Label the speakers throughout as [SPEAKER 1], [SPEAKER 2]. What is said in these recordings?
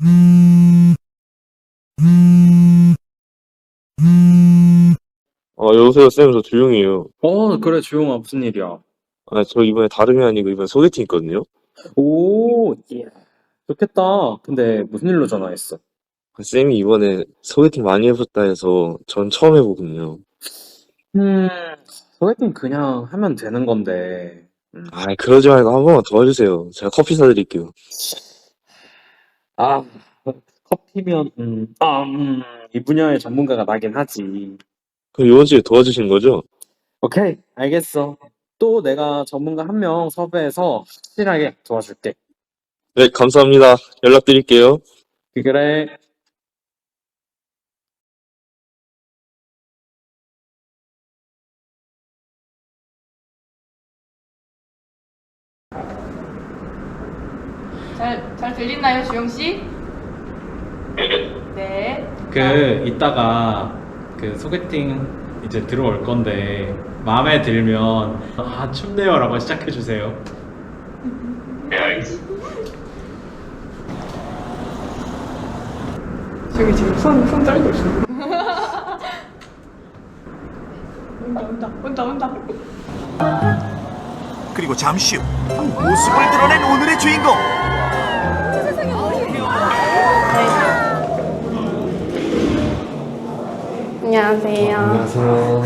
[SPEAKER 1] 여보세요, 쌤, 저 조용해요.
[SPEAKER 2] 그래, 주용아, 무슨 일이야?
[SPEAKER 1] 저 이번에 다름이 아니고 이번에 소개팅 있거든요?
[SPEAKER 2] 오, 예. 좋겠다. 근데 무슨 일로 전화했어?
[SPEAKER 1] 쌤이 이번에 소개팅 많이 해봤다 해서 전 처음 해보거든요.
[SPEAKER 2] 음, 소개팅 그냥 하면 되는 건데.
[SPEAKER 1] 그러지 말고 한 번만 도와주세요. 제가 커피 사드릴게요.
[SPEAKER 2] 아, 커피면, 이 분야의 전문가가 나긴 하지.
[SPEAKER 1] 그럼 이번 주에 도와주신 거죠?
[SPEAKER 2] 오케이, 알겠어. 또 내가 전문가 한 명 섭외해서 확실하게 도와줄게.
[SPEAKER 1] 네, 감사합니다. 연락드릴게요.
[SPEAKER 2] 그래.
[SPEAKER 3] 잘 들리나요, 주영씨? 네.
[SPEAKER 4] 이따가 소개팅 이제 들어올 건데 마음에 들면 춥네요라고 시작해 주세요.
[SPEAKER 3] 저기 지금 손 떨고 있어. 온다.
[SPEAKER 5] 그리고 잠시 후 모습을 드러낸 오늘의 주인공.
[SPEAKER 6] 안녕하세요.
[SPEAKER 1] 안녕하세요.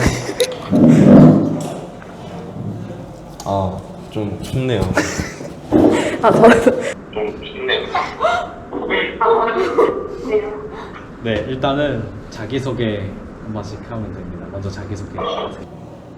[SPEAKER 1] 좀 춥네요.
[SPEAKER 6] 저도
[SPEAKER 4] 네, 일단은 자기소개 한 번씩 하면 됩니다. 먼저 자기소개 해주세요.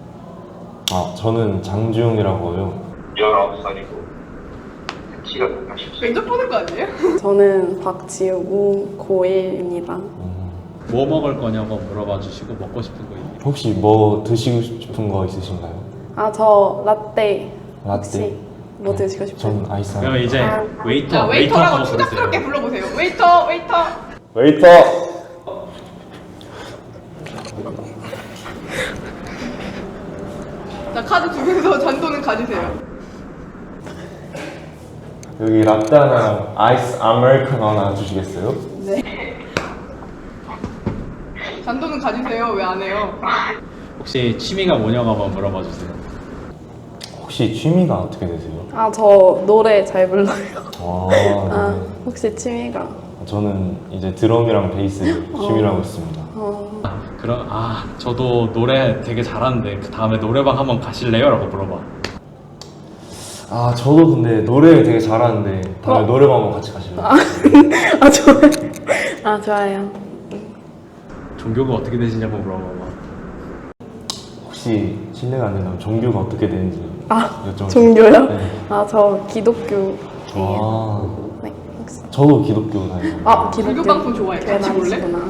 [SPEAKER 7] 저는 장주용이라고 해요.
[SPEAKER 1] 19살이고 키가 180cm.
[SPEAKER 3] 면접 보는 거 아니에요?
[SPEAKER 6] 저는 박지우고 고1입니다.
[SPEAKER 4] 뭐 먹을 거냐고 물어봐 주시고 먹고 싶은 거 있나요?
[SPEAKER 7] 혹시 뭐 드시고 싶은 거 있으신가요?
[SPEAKER 6] 저 라떼.
[SPEAKER 7] 라떼?
[SPEAKER 6] 혹시 뭐 드시고 싶어요?
[SPEAKER 7] 전 아이스
[SPEAKER 4] 그러면
[SPEAKER 7] 아메리카노.
[SPEAKER 4] 이제
[SPEAKER 3] 자,
[SPEAKER 4] 웨이터라고
[SPEAKER 3] 웨이터라고
[SPEAKER 4] 부르세요.
[SPEAKER 3] 추잡스럽게 불러보세요. 웨이터.
[SPEAKER 7] 웨이터!
[SPEAKER 3] 자, 카드 주면서 잔돈은 가지세요.
[SPEAKER 7] 여기 라떼 하나랑 아이스 아메리카노 하나 주시겠어요?
[SPEAKER 3] 잔돈은 가지세요. 왜 안 해요?
[SPEAKER 4] 혹시 취미가 뭐냐고 한번 물어봐 주세요.
[SPEAKER 7] 혹시 취미가 어떻게 되세요?
[SPEAKER 6] 저 노래 잘 불러요.
[SPEAKER 7] 네.
[SPEAKER 6] 혹시 취미가?
[SPEAKER 7] 저는 이제 드럼이랑 베이스 취미라고 있습니다.
[SPEAKER 4] 저도 노래 되게 잘하는데 그 다음에 노래방 한번 가실래요? 라고 물어봐.
[SPEAKER 7] 저도 근데 노래 되게 잘하는데 다음에 노래방 한번 같이 가실래요?
[SPEAKER 6] 좋아요. 좋아요.
[SPEAKER 4] 종교가 어떻게 되시냐고 물어봐봐.
[SPEAKER 7] 혹시 실례가 안 된다면 종교가 어떻게 되는지 여쭤볼게요.
[SPEAKER 6] 종교요?
[SPEAKER 7] 네.
[SPEAKER 6] 저 기독교예요. 네. 혹시
[SPEAKER 7] 저도 기독교 다녀요.
[SPEAKER 6] 기독교.
[SPEAKER 3] 불교 방송 좋아해. 같이 볼래?
[SPEAKER 6] 아니시구나.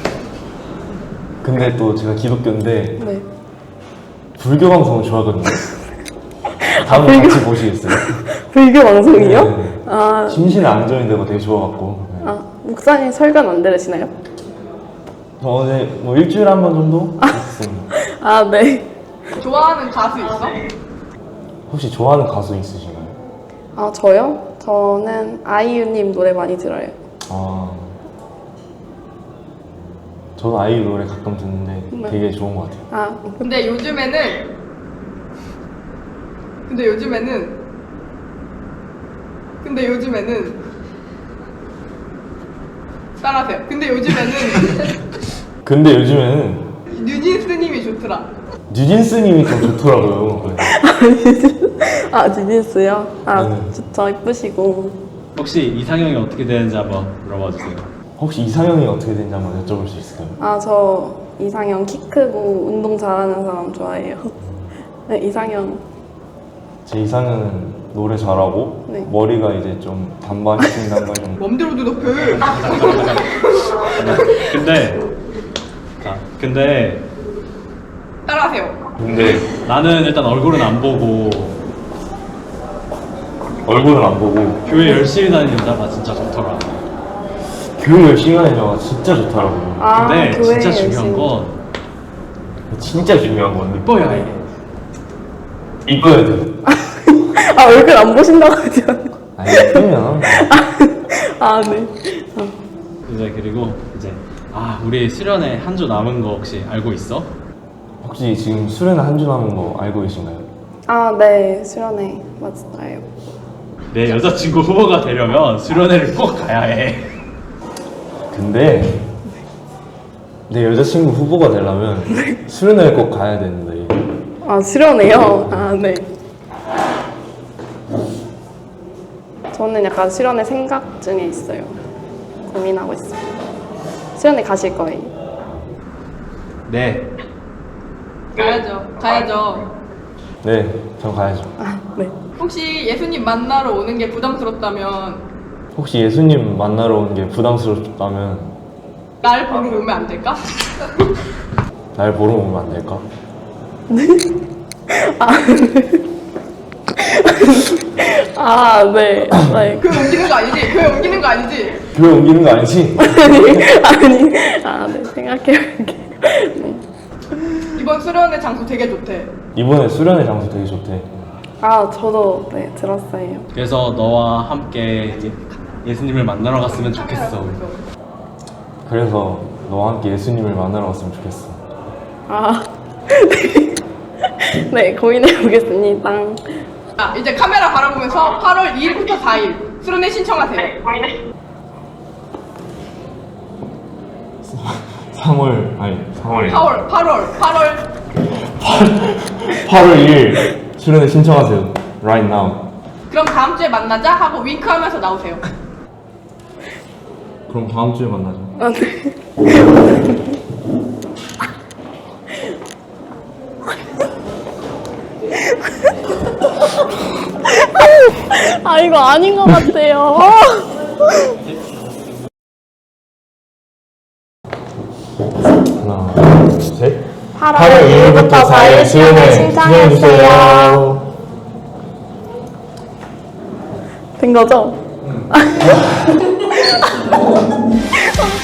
[SPEAKER 7] 근데 또 제가 기독교인데
[SPEAKER 6] 네.
[SPEAKER 7] 불교 방송을 좋아하거든요. 다음에
[SPEAKER 6] 불교?
[SPEAKER 7] 같이 보시겠어요?
[SPEAKER 6] 불교 방송이요?
[SPEAKER 7] 네. 심신의 안정이 되고 되게 좋아갖고. 네.
[SPEAKER 6] 목사님 설교는 안 들으시나요?
[SPEAKER 7] 저 어제 뭐 일주일에 한 번 정도 했습니다.
[SPEAKER 6] 네.
[SPEAKER 3] 좋아하는 가수 있어?
[SPEAKER 7] 혹시 좋아하는 가수 있으신가요?
[SPEAKER 6] 저요? 저는 아이유님 노래 많이 들어요.
[SPEAKER 7] 저도 아이유 노래 가끔 듣는데
[SPEAKER 6] 네.
[SPEAKER 7] 되게 좋은 것 같아요.
[SPEAKER 3] 근데 요즘에는 따라하세요.
[SPEAKER 7] 근데 요즘에는
[SPEAKER 3] 뉴진스님이 좋더라.
[SPEAKER 7] 뉴진스님이 좀 좋더라고요.
[SPEAKER 6] 뉴진스요?
[SPEAKER 7] 네.
[SPEAKER 6] 좋죠. 이쁘시고.
[SPEAKER 4] 혹시 이상형이 어떻게 되는지 한번 물어봐 주세요.
[SPEAKER 7] 혹시 이상형이 어떻게 되는지 한번 여쭤볼 수 있을까요?
[SPEAKER 6] 저 이상형 키 크고 운동 잘하는 사람 좋아해요. 네, 이상형.
[SPEAKER 7] 제 이상형은 노래 잘하고
[SPEAKER 6] 네.
[SPEAKER 7] 머리가 이제 좀 단발이긴 단발 좀
[SPEAKER 3] 맘대로 대답해.
[SPEAKER 4] 근데
[SPEAKER 3] 따라하세요.
[SPEAKER 7] 근데
[SPEAKER 4] 나는 일단 얼굴은 안 보고
[SPEAKER 7] 얼굴은 안 보고
[SPEAKER 4] 교회 열심히 다니는 여자가 진짜 좋더라.
[SPEAKER 7] 교육 열심히 하는 여자가 진짜 좋더라고요.
[SPEAKER 4] 근데
[SPEAKER 6] 교회
[SPEAKER 4] 진짜 중요한
[SPEAKER 6] 열심히.
[SPEAKER 4] 건
[SPEAKER 7] 진짜 중요한 건
[SPEAKER 4] 이뻐야 해.
[SPEAKER 7] 이뻐야 돼요.
[SPEAKER 6] 얼굴 안 보신다고 하지 않아요?
[SPEAKER 7] 예쁘면
[SPEAKER 6] 아, 네.
[SPEAKER 4] 이제 그리고 이제 우리 수련회 한 주 남은 거 혹시 알고 있어?
[SPEAKER 7] 혹시 지금 수련회 한 주 남은 거 알고 계신가요?
[SPEAKER 6] 아, 네. 수련회 맞아요.
[SPEAKER 4] 내 여자친구 후보가 되려면 수련회를 꼭 가야 해.
[SPEAKER 7] 근데 내 여자친구 후보가 되려면 수련회를 꼭 가야 되는데
[SPEAKER 6] 아, 수련회요? 아, 네. 저는 약간 수련회 생각 중에 있어요. 고민하고 있어요. 수련회 가실 거예요?
[SPEAKER 4] 네.
[SPEAKER 3] 가야죠.
[SPEAKER 7] 네, 전 가야죠.
[SPEAKER 6] 아, 네.
[SPEAKER 3] 혹시 예수님 만나러 오는 게 부담스럽다면
[SPEAKER 7] 혹시 예수님 만나러 오는 게 부담스럽다면
[SPEAKER 3] 날 보러 오면 안 될까?
[SPEAKER 7] 날 보러 오면 안 될까?
[SPEAKER 6] 아, 네. 네.
[SPEAKER 3] 교회 옮기는 거 아니지? 교회 옮기는 거 아니지?
[SPEAKER 7] 교회 옮기는 거 아니지?
[SPEAKER 6] 아, 네. 생각해볼게요. 네.
[SPEAKER 3] 이번 수련회 장소 되게 좋대.
[SPEAKER 7] 이번에 수련회 장소 되게 좋대.
[SPEAKER 6] 아, 저도 네, 들었어요.
[SPEAKER 4] 그래서 너와 함께 예수님을 만나러 갔으면 좋겠어.
[SPEAKER 7] 그래서 너와 함께 예수님을 만나러 갔으면 좋겠어.
[SPEAKER 6] 아, 네, 고민해보겠습니다.
[SPEAKER 3] 자, 이제 카메라 바라보면서 8월 2일부터 4일 수련회 신청하세요.
[SPEAKER 7] 3월 8월 2일 수련회 신청하세요. Right now.
[SPEAKER 3] 그럼 다음 주에 만나자 하고 윙크하면서 나오세요.
[SPEAKER 7] 그럼 다음 주에 만나자.
[SPEAKER 6] 아, 네. 아, 이거 아닌 것 같아요.
[SPEAKER 7] 하나, 둘, 셋.
[SPEAKER 6] 8월 2일부터 4일 수련회 신청해주세요. 된 거죠?